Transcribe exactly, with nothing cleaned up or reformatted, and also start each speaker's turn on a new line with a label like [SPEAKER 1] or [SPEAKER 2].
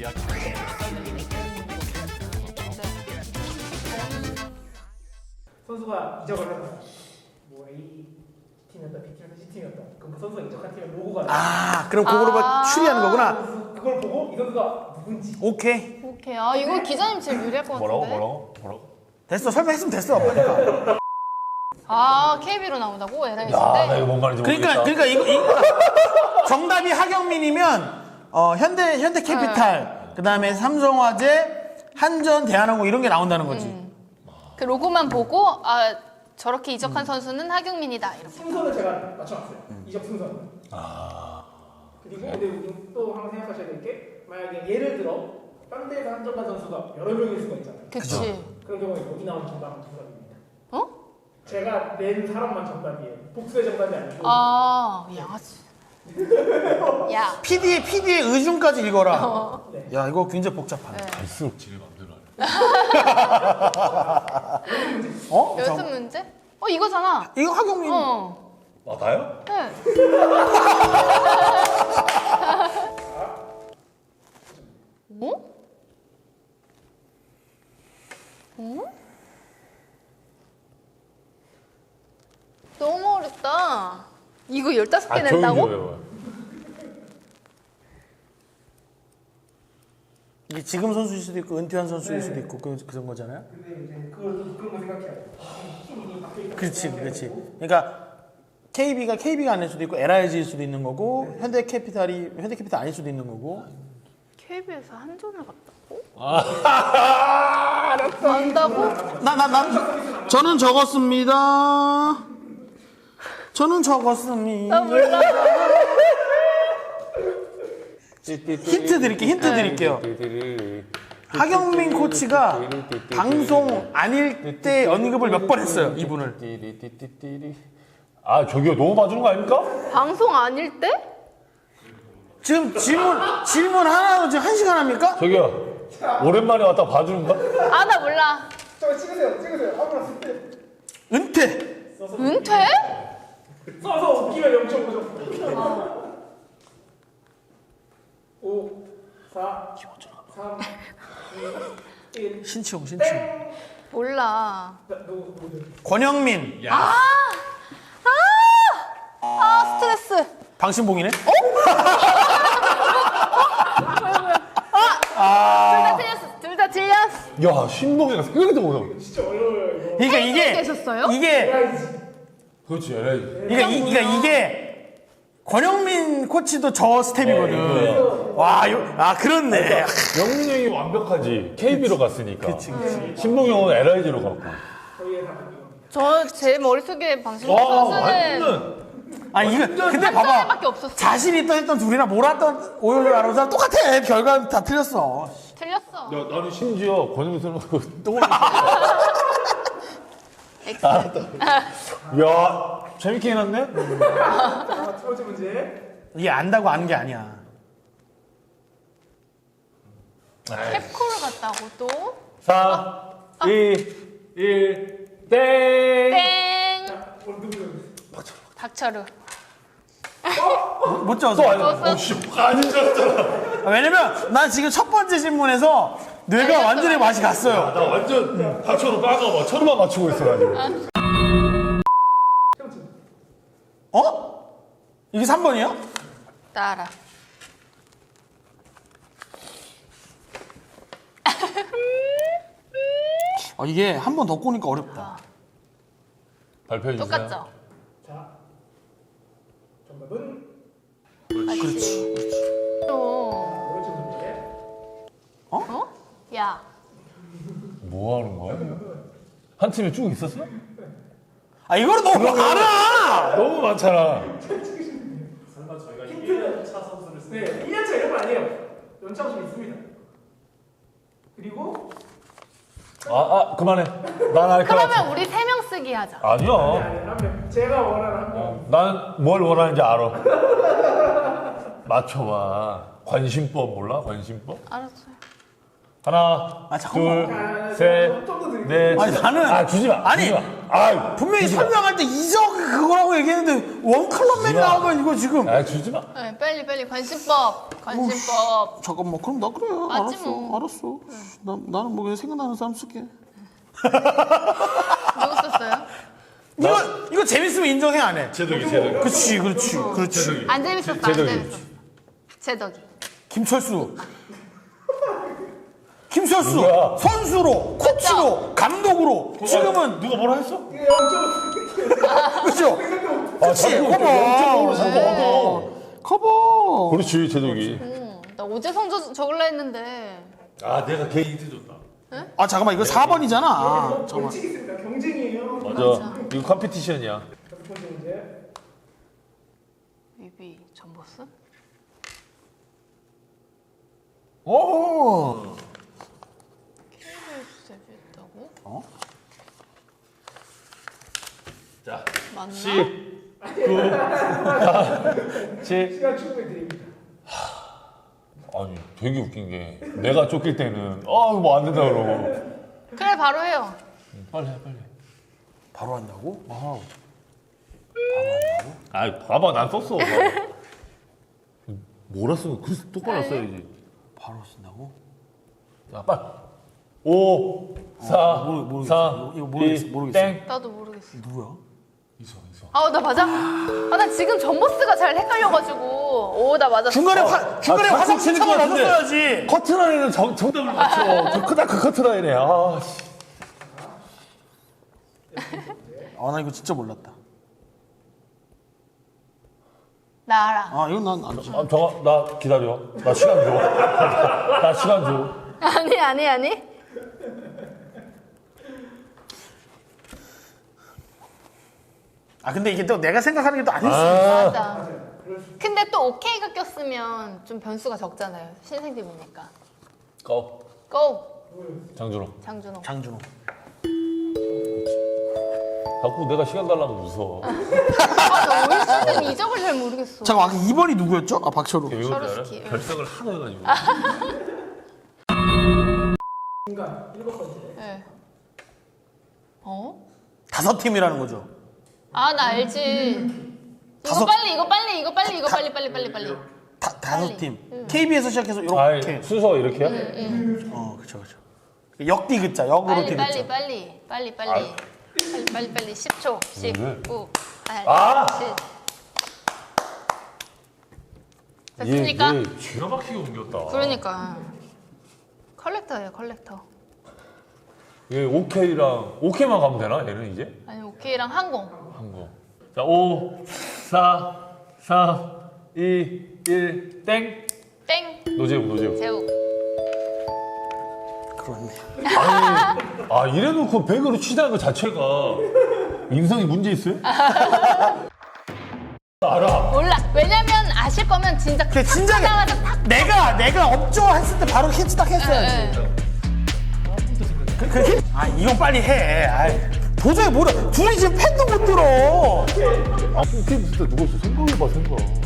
[SPEAKER 1] 선수가 이적을 한다. 뭐 A 팀이었다, B 팀이었다, C 팀이었다. 그럼 그 선수가 이적한 팀의 로고가
[SPEAKER 2] 아, 그럼 그거로
[SPEAKER 3] 아
[SPEAKER 2] 추리하는 거구나.
[SPEAKER 1] 그걸 보고 이 선수가 누군지.
[SPEAKER 2] 오케이.
[SPEAKER 3] 오케이. 아 이거 기자님 제일 유리할 것 같은데.
[SPEAKER 4] 뭐라고 뭐라고 뭐라고?
[SPEAKER 2] 됐어. 설명했으면 됐어. 그러니까.
[SPEAKER 3] 아 케이비로 나온다고?
[SPEAKER 4] 야, 나
[SPEAKER 3] 에라이즈인데?
[SPEAKER 4] 이거 뭔 말인지
[SPEAKER 2] 그러니까
[SPEAKER 4] 모르겠다.
[SPEAKER 2] 그러니까 이거, 이거 정답이 하경민이면 어, 현대 현대캐피탈, 그다음에 삼성화재, 한전, 대한항공 이런 게 나온다는 거지.
[SPEAKER 3] 음. 그 로고만 보고 아 저렇게 이적한 음. 선수는 하경민이다 이렇게.
[SPEAKER 1] 순서는 제가 맞춰놨어요.
[SPEAKER 2] 음.
[SPEAKER 1] 이적 순서는.
[SPEAKER 4] 아,
[SPEAKER 1] 그리고 근데 우리 또 하나 생각하셔야 될 게 만약에 예를 들어 딴 데에서 한정관 선수가 여러 명일 수가 있잖아요.
[SPEAKER 3] 그치.
[SPEAKER 1] 그런 경우에 여기 나온 정답은 정답입니다.
[SPEAKER 3] 어?
[SPEAKER 1] 제가 낸 사람만 정답이에요. 복수의 정답이 아니고.
[SPEAKER 3] 아 양아치. 야.
[SPEAKER 2] 피디의 피디의 의중까지 읽어라.
[SPEAKER 3] 어.
[SPEAKER 1] 네.
[SPEAKER 2] 야, 이거 굉장히 복잡하네.
[SPEAKER 3] 네.
[SPEAKER 4] 갈수록 지를 맘대로 하네.
[SPEAKER 2] 어?
[SPEAKER 3] 연습
[SPEAKER 2] 잠-
[SPEAKER 3] 문제? 어 이거잖아.
[SPEAKER 2] 이거 하경민.
[SPEAKER 3] 어.
[SPEAKER 4] 아, 나요?
[SPEAKER 3] 네. 어? 어? 너무 어렵다. 이거 열다섯 개
[SPEAKER 4] 아, 조용히
[SPEAKER 3] 낸다고?
[SPEAKER 4] 좀 해봐요.
[SPEAKER 2] 이게 지금 선수일 수도 있고 은퇴한 선수일 수도 있고 그, 그런 거잖아요.
[SPEAKER 1] 근데 이제 그걸 그런 거 생각해야 돼. 팀이 바뀌기
[SPEAKER 2] 그렇지, 그렇지. 그러니까 케이비가 케이비가 아닐 수도 있고 엘아이지일 수도 있는 거고 현대캐피탈이 현대캐피탈 아닐 수도 있는 거고.
[SPEAKER 3] 케이비에서 한전을 갔다고?
[SPEAKER 4] 아,
[SPEAKER 3] 안다고?
[SPEAKER 2] 나 나 나 저는 적었습니다. 저는 적었습니다.
[SPEAKER 3] 나 몰라.
[SPEAKER 2] 힌트 드릴게요. 힌트 드릴게요. 하경민 코치가 방송 아닐 때 언급을 몇 번 했어요. 이분을.
[SPEAKER 4] 아, 저기요, 너무 봐주는 거 아닙니까?
[SPEAKER 3] 방송 아닐 때?
[SPEAKER 2] 지금 질문 질문 하나로 지금 한 시간 합니까?
[SPEAKER 4] 저기요, 오랜만에 왔다 봐주는 거?
[SPEAKER 3] 아 나 몰라.
[SPEAKER 1] 저 찍으세요, 찍으세요. 아무나 쓸 때.
[SPEAKER 2] 은퇴.
[SPEAKER 3] 은퇴?
[SPEAKER 1] 써서 웃기면 영 점 오 점. 오, 사, 삼, 이, 일.
[SPEAKER 2] 신치용 신치용.
[SPEAKER 3] 몰라.
[SPEAKER 1] 나, 누구, 누구?
[SPEAKER 2] 권영민.
[SPEAKER 3] 아 스트레스.
[SPEAKER 2] 방신봉이네.
[SPEAKER 3] 둘 다 틀렸어. 둘 다 틀렸어.
[SPEAKER 4] 야, 신동이가 생각도 못하고.
[SPEAKER 1] 진짜 어려워요, 이거.
[SPEAKER 2] 그러니까 이게
[SPEAKER 3] 계셨어요?
[SPEAKER 2] 이게
[SPEAKER 4] 그렇지, 에라이.
[SPEAKER 2] 이게 이, 그러니까 이게 권영민 코치도 저 스텝이거든. 와, 요, 아 그렇네.
[SPEAKER 4] 영민 형이 완벽하지. 케이비로 갔으니까.
[SPEAKER 2] 그치, 그치.
[SPEAKER 4] 신동 형은 엘아이지로 갔고.
[SPEAKER 1] 저희의 답은
[SPEAKER 3] 저 제 머릿속에 방송
[SPEAKER 4] 와,
[SPEAKER 3] 선수는
[SPEAKER 4] 완전.
[SPEAKER 2] 아 이거 근데
[SPEAKER 3] 한
[SPEAKER 2] 봐봐.
[SPEAKER 3] 점밖에 없었어.
[SPEAKER 2] 자신 있던 했던 둘이나 몰았던 오열 아나운서랑 똑같아. 결과는 다 틀렸어.
[SPEAKER 3] 틀렸어.
[SPEAKER 4] 야, 나는 심지어 권영민 선수가 똥을.
[SPEAKER 3] X.
[SPEAKER 4] 야, 재밌게 해놨네?
[SPEAKER 1] 자, 첫 번째 문제.
[SPEAKER 2] 이게 안다고 아는 게 아니야.
[SPEAKER 3] 캡콜을 갔다고 또?
[SPEAKER 4] 사, 이, 일, 땡!
[SPEAKER 3] 땡.
[SPEAKER 1] 자, 오늘 누구 누구?
[SPEAKER 3] 박철우.
[SPEAKER 2] 못
[SPEAKER 4] 또
[SPEAKER 2] 졌어.
[SPEAKER 4] 아니야. 어, 씨, 안 졌잖아.
[SPEAKER 2] 아, 왜냐면 난 지금 첫 번째 질문에서 뇌가
[SPEAKER 3] 알겠어,
[SPEAKER 2] 완전히 맛이 갔어요.
[SPEAKER 4] 나 완전 박초로 빠가 천만 맞추고 있어가지고.
[SPEAKER 2] 어? 이게 삼 번이야?
[SPEAKER 3] 따라.
[SPEAKER 2] 아, 이게 한 번 더 꼬니까 어렵다.
[SPEAKER 4] 발표해주세요.
[SPEAKER 3] 똑같죠?
[SPEAKER 1] 자, 정답은
[SPEAKER 2] 그렇지.
[SPEAKER 3] 또.
[SPEAKER 1] 두 번째 문제.
[SPEAKER 3] 어? 야.
[SPEAKER 4] 뭐 하는 거야? 한 팀에 쭉 있었어?
[SPEAKER 2] 아, 이거는 너무 많아!
[SPEAKER 4] 너무 많잖아.
[SPEAKER 1] 네, 일 년 차 이런 거 아니에요. 연차가 좀 있습니다. 그리고
[SPEAKER 4] 아, 아, 그만해. 난 알 것
[SPEAKER 3] 그러면
[SPEAKER 4] 같아.
[SPEAKER 3] 우리 세 명 쓰기 하자.
[SPEAKER 4] 아니야.
[SPEAKER 1] 아니, 한 명. 제가 원하는 한 명.
[SPEAKER 4] 난 뭘 원하는지 알아. 맞춰봐. 관심법 몰라? 관심법?
[SPEAKER 3] 알았어요.
[SPEAKER 4] 하나,
[SPEAKER 2] 아, 잠깐만.
[SPEAKER 4] 둘, 셋, 넷.
[SPEAKER 2] 아니, 나는-
[SPEAKER 4] 아, 주지 마.
[SPEAKER 2] 아니,
[SPEAKER 4] 주지 마. 아,
[SPEAKER 2] 분명히
[SPEAKER 4] 주지 마.
[SPEAKER 2] 설명할 때 이적 그거라고 얘기했는데 원클럽맨이
[SPEAKER 4] 주지 마.
[SPEAKER 2] 나오면 이거 지금
[SPEAKER 4] 아, 주지 마.
[SPEAKER 3] 네, 빨리 빨리 관심법. 관심법.
[SPEAKER 2] 잠깐만 그럼 나 그래
[SPEAKER 3] 맞지
[SPEAKER 2] 알았어
[SPEAKER 3] 뭐.
[SPEAKER 2] 알았어 나, 나는 뭐 그냥 생각나는 사람 쓸게
[SPEAKER 3] 누구 썼어요?
[SPEAKER 2] 이거 이거 재밌으면 인정해 안 해?
[SPEAKER 4] 제덕이, 제덕이.
[SPEAKER 2] 그렇지 그렇지 그렇지
[SPEAKER 3] 안 재밌었어. 안
[SPEAKER 4] 제덕이.
[SPEAKER 3] 재밌었어. 제덕이.
[SPEAKER 2] 김철수 김철수
[SPEAKER 4] 누구야?
[SPEAKER 2] 선수로 코치로 감독으로 지금은
[SPEAKER 4] 누가 뭐라 했어?
[SPEAKER 2] 그렇죠?
[SPEAKER 4] 아,
[SPEAKER 2] 그치
[SPEAKER 4] 자꾸
[SPEAKER 2] 커버
[SPEAKER 4] 영점으로 자꾸
[SPEAKER 2] 어. 커버
[SPEAKER 4] 그렇지, 제덕이.
[SPEAKER 3] 응. 나 오재 성적 적을라 했는데.
[SPEAKER 4] 아, 내가 걔 힌트 줬다.
[SPEAKER 2] 아 잠깐만 이거 사 번이잖아 아, 잠깐만
[SPEAKER 1] 벌칙 있습니다. 경쟁이에요.
[SPEAKER 4] 맞아. 이거 컴피티션이야.
[SPEAKER 1] 다섯 번째 문제.
[SPEAKER 3] 뮤비 전보스?
[SPEAKER 4] 오!
[SPEAKER 3] 케이비에스 데뷔했다고?
[SPEAKER 2] 어?
[SPEAKER 4] 자,
[SPEAKER 3] 맞나?
[SPEAKER 4] 십, 구, 팔, 칠.
[SPEAKER 1] 시간 충분히 드립니다.
[SPEAKER 4] 아니, 되게 웃긴 게 내가 쫓길 때는 아, 이거 뭐 안 된다 그러고.
[SPEAKER 3] 그래 바로 해요.
[SPEAKER 4] 빨리 해, 빨리.
[SPEAKER 2] 바로 한다고?
[SPEAKER 4] 와우. 아, 봐봐, 난 썼어. 봐봐. 뭐라 써? 그 똑바로 써야지.
[SPEAKER 2] 바로 쓴다고?
[SPEAKER 4] 자, 빨리. 오, 사,
[SPEAKER 2] 모르- 모르겠어.
[SPEAKER 4] 삼,
[SPEAKER 2] 이거 모르겠어,
[SPEAKER 4] 이,
[SPEAKER 2] 모르겠어.
[SPEAKER 4] 땡.
[SPEAKER 3] 나도 모르겠어.
[SPEAKER 2] 누구야?
[SPEAKER 4] 있어, 있어.
[SPEAKER 3] 아 나 맞아? 아 나 지금 전보스가 잘 헷갈려가지고. 오 나 맞았어.
[SPEAKER 2] 중간에 화, 중간에
[SPEAKER 4] 아,
[SPEAKER 2] 화상
[SPEAKER 4] 치는
[SPEAKER 2] 신청을
[SPEAKER 4] 것 같은데.
[SPEAKER 2] 넣었어야지
[SPEAKER 4] 커트라인은 정, 정답을 맞춰. 저 크다 그 커트라인에. 아, 씨.
[SPEAKER 2] 아 나 이거 진짜 몰랐다
[SPEAKER 3] 나 알아.
[SPEAKER 2] 아 이건 난 알지
[SPEAKER 4] 아, 저거, 나 기다려. 나 시간 줘. 나 시간 줘.
[SPEAKER 3] 아니 아니 아니.
[SPEAKER 2] 아 근데 이게 또 내가 생각하는 게 또 아닐 수 있어
[SPEAKER 4] 아,
[SPEAKER 3] 맞아. 근데 또 오케이가 꼈으면 좀 변수가 적잖아요. 신생팀이니까.
[SPEAKER 4] 고.
[SPEAKER 3] 고
[SPEAKER 4] 장준호.
[SPEAKER 3] 장준호.
[SPEAKER 2] 장준호
[SPEAKER 4] 자꾸 내가 시간 달라고 무서워.
[SPEAKER 3] 아나 올 시즌 이적을 잘 모르겠어.
[SPEAKER 2] 잠깐 아까 이 번이 누구였죠? 아 박철우
[SPEAKER 4] 왜 그런지 알아?
[SPEAKER 3] 서르스키.
[SPEAKER 4] 결석을 하도 해가지고.
[SPEAKER 1] 중간 일곱 번째.
[SPEAKER 3] 네. 어?
[SPEAKER 2] 다섯 팀이라는 거죠
[SPEAKER 3] 아 나 알지. 이거
[SPEAKER 2] 다섯-
[SPEAKER 3] 빨리 이거 빨리 이거 빨리 이거 빨리 빨리 빨리 빨리.
[SPEAKER 2] 다, 다섯
[SPEAKER 3] 빨리.
[SPEAKER 2] 팀 케이비에서 시작해서
[SPEAKER 4] 아이,
[SPEAKER 2] 이렇게
[SPEAKER 4] 순서가 이렇게야?
[SPEAKER 2] 어 그쵸 그쵸 역디귿자 역으로
[SPEAKER 3] 빨리
[SPEAKER 2] 디귿자
[SPEAKER 3] 빨리 빨리 빨리 빨리 빨리 빨리 빨리 십 초 십,
[SPEAKER 4] 왜?
[SPEAKER 3] 구, 팔,
[SPEAKER 4] 아!
[SPEAKER 3] 칠.
[SPEAKER 4] 얘,
[SPEAKER 3] 됐습니까?
[SPEAKER 4] 얘 기가 막히게 옮겼다.
[SPEAKER 3] 그러니까 컬렉터예요 컬렉터.
[SPEAKER 4] 얘 오케이랑 오케이만 가면 되나? 얘는 이제?
[SPEAKER 3] 아니 오케이랑 항공.
[SPEAKER 4] 한 거. 자, 오, 사, 삼, 이, 일, 땡.
[SPEAKER 3] 땡
[SPEAKER 4] 노재욱, 노재욱.
[SPEAKER 3] 제우.
[SPEAKER 2] 그렇네
[SPEAKER 4] 아니, 아, 이래놓고 백으로 치자는 것 자체가 인성이 문제 있어요? 알아.
[SPEAKER 3] 몰라. 왜냐면 아실 거면 진짜
[SPEAKER 2] 그래 진작에
[SPEAKER 3] 하자마자 탁.
[SPEAKER 2] 내가 내가 업조 했을 때 바로 캐치 딱 했어야지
[SPEAKER 3] 예, 예.
[SPEAKER 2] 그, 그, 힘- 아 이건 빨리 해 아이, 도저히 모르 둘이 지금 팬도 못 들어
[SPEAKER 4] 아, 오케이, 진짜 누가 있어? 생각해봐, 생각.